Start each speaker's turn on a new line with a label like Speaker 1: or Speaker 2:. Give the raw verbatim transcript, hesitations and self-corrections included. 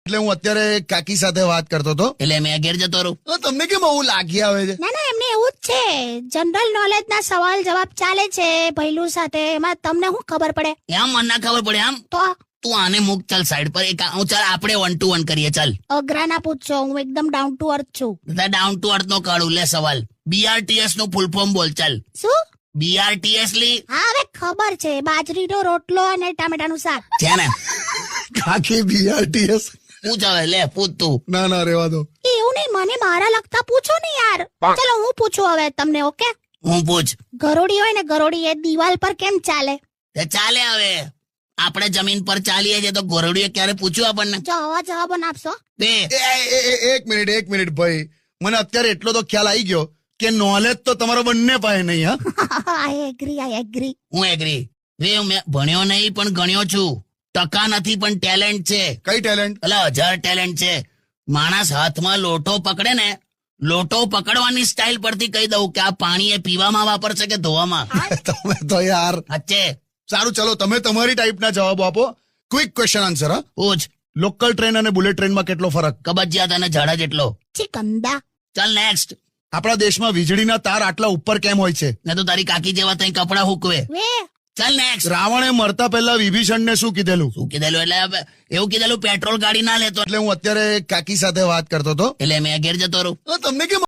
Speaker 1: એટલે હું અત્યારે કાકી સાથે વાત કરતો હતો.
Speaker 2: એટલે મેં ઘેર જતો રહું.
Speaker 1: તો તમને કેમ આવું લાગી આવે છે?
Speaker 3: ના ના એમને એવું જ છે, જનરલ નોલેજ ના સવાલ જવાબ ચાલે છે ભૈલું સાથે, એમાં તમને શું ખબર પડે?
Speaker 2: એમ મને ના ખબર પડે. આમ
Speaker 3: તો
Speaker 2: તું આને મૂક, ચાલ સાઈડ પર. એક હું ચાલ આપણે વન ટુ વન કરીએ. ચાલ
Speaker 3: અઘરા ના પૂછશો, હું એકદમ ડાઉન ટુ અર્થ છું.
Speaker 2: ડાઉન ટુ અર્થ નો કાઢું. લે સવાલ, બીઆરટીએસ નું ફૂલ ફોર્મ બોલ. ચાલ
Speaker 3: શું?
Speaker 2: બીઆરટીએસ લી.
Speaker 3: હા હવે ખબર છે, બાજરીનો રોટલો અને ટામેટાનું શાક
Speaker 2: છે ને?
Speaker 1: કાકી બીઆરટીએસ?
Speaker 2: પૂછ હવે, લે પૂછ તું.
Speaker 1: ના ના રેવા દો.
Speaker 3: એવું નહીં, મને મારા લગતા પૂછો ને યાર. ચલો હું પૂછું હવે તમને. ઓકે,
Speaker 2: હું પૂછ.
Speaker 3: ગરોડી હોય ને ગરોડી, એ દિવાલ પર કેમ ચાલે?
Speaker 2: તે ચાલે. હવે આપણે જમીન પર ચાલીએ છીએ તો ગોરડીએ ક્યારે પૂછ્યું આપણને?
Speaker 3: જો આવા જવાબો ના આપશો.
Speaker 2: બે
Speaker 1: એ, એ, એ, એક મિનિટ એક મિનિટ ભાઈ, મને અત્યારે એટલો તો ખ્યાલ આવી ગયો કે નોલેજ તો તમારો બંને પાસે નહીં. હા
Speaker 3: આઈ એગ્રી આઈ એગ્રી.
Speaker 2: હું એગ્રી. વે મેં ભણ્યો નહીં પણ ગણ્યો છું. ટકા નથી પણ ટેલેન્ટ છે.
Speaker 1: કઈ ટેલેન્ટ?
Speaker 2: એટલે હજાર ટેલેન્ટ છે. માણસ હાથમાં લોટો પકડે ને, લોટો પકડવાની સ્ટાઇલ પરથી કહી દઉં કે આ પાણી એ પીવામાં વાપરશે કે ધોવામાં.
Speaker 1: તમે તો યાર.
Speaker 2: અચ્છે
Speaker 1: સારું ચલો, તમે તમારી ટાઈપના જવાબો આપો. Quick question answer. હા,
Speaker 2: પૂછ.
Speaker 1: લોકલ ટ્રેન અને બુલેટ ટ્રેનમાં કેટલો ફરક?
Speaker 2: કબજિયાત અને ઝાડા જેટલો.
Speaker 3: ચિકંદા.
Speaker 2: ચાલ નેક્સ્ટ.
Speaker 1: આપણા દેશમાં વીજળીના તાર આટલા ઉપર કેમ હોય છે?
Speaker 2: ને તો તારી કાકી જેવા તઈ કપડા હુકવે.
Speaker 3: વે
Speaker 2: ચાલ નેક્સ્ટ.
Speaker 1: રાવણે મરતા પહેલા વિભીષણને શું કીધેલું?
Speaker 2: શું કીધેલું? એટલે એવું કીધેલું પેટ્રોલ ગાડી ના લેતો.
Speaker 1: એટલે હું અત્યારે કાકી સાથે વાત કરતો હતો.
Speaker 2: એટલે મેં ઘેર જતો રહું.
Speaker 1: તો તમને કેમ